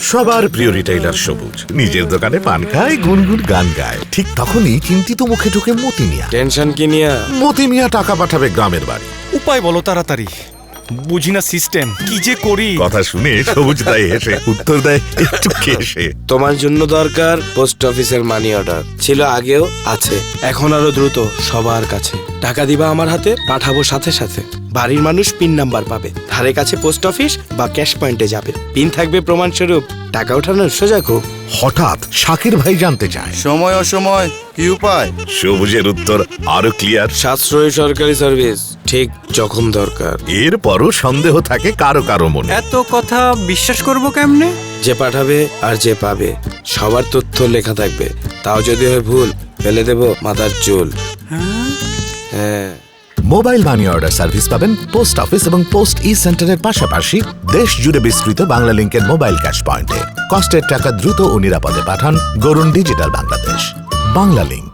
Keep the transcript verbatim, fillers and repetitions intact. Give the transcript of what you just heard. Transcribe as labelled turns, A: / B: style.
A: সবার প্রিয় রিটেইলার সবুজ নিজের দোকানে পান খায়, গুনগুন গান গায়। ঠিক তখনই চিন্তিত মুখে ঢুকে মতি মিয়া।
B: টেনশন কি নিয়া?
A: মতি মিয়া টাকা পাঠাবে গ্রামের বাড়ি।
C: উপায় বলো তাড়াতাড়ি, বুঝি না সিস্টেম, কি যে করি।
A: কথা শুনে সবুজ দেয় হেসে, উত্তর দেয় একটু কেসে।
B: তোমার জন্য দরকার পোস্ট অফিসের মানি অর্ডার। ছিল আগেও, আছে এখন আরো দ্রুত সবার কাছে। টাকা দিবা আমার হাতে, পাঠাবো সাথে সাথে। বাড়ির মানুষ পিন নাম্বার পাবে, ধারে কাছে পোস্ট অফিস বা ক্যাশ পয়েন্টে যাবে, পিন থাকবে প্রমাণস্বরূপ। টাকা ওঠানোর সোজা খুব।
A: হঠাৎ শাকির ভাই জানতে চায়
D: সময় অসময় কি উপায়?
A: সবুজের উত্তর আরো ক্লিয়ার,
B: সাশ্রয়ী সরকারি সার্ভিস ঠিক যখন দরকার।
A: এরপরও সন্দেহ থাকে কারো কারো মনে।
E: এত কথা বিশ্বাস করব কেমনে?
B: যে পাঠাবে আর যে পাবে সবার তথ্য লেখা থাকবে। তাও যদি হয় ভুল, ফেলে দেব মাথার চুল। হ্যাঁ,
A: মোবাইল মানি অর্ডার সার্ভিস পাবেন পোস্ট অফিস এবং পোস্ট ই সেন্টারের পাশাপাশি দেশ জুড়ে বিস্তৃত বাংলা লিংকের মোবাইল ক্যাশ পয়েন্টে। কষ্টের টাকা দ্রুত ও নিরাপদে পাঠান গরুন ডিজিটাল বাংলাদেশ। বাংলা লিংক।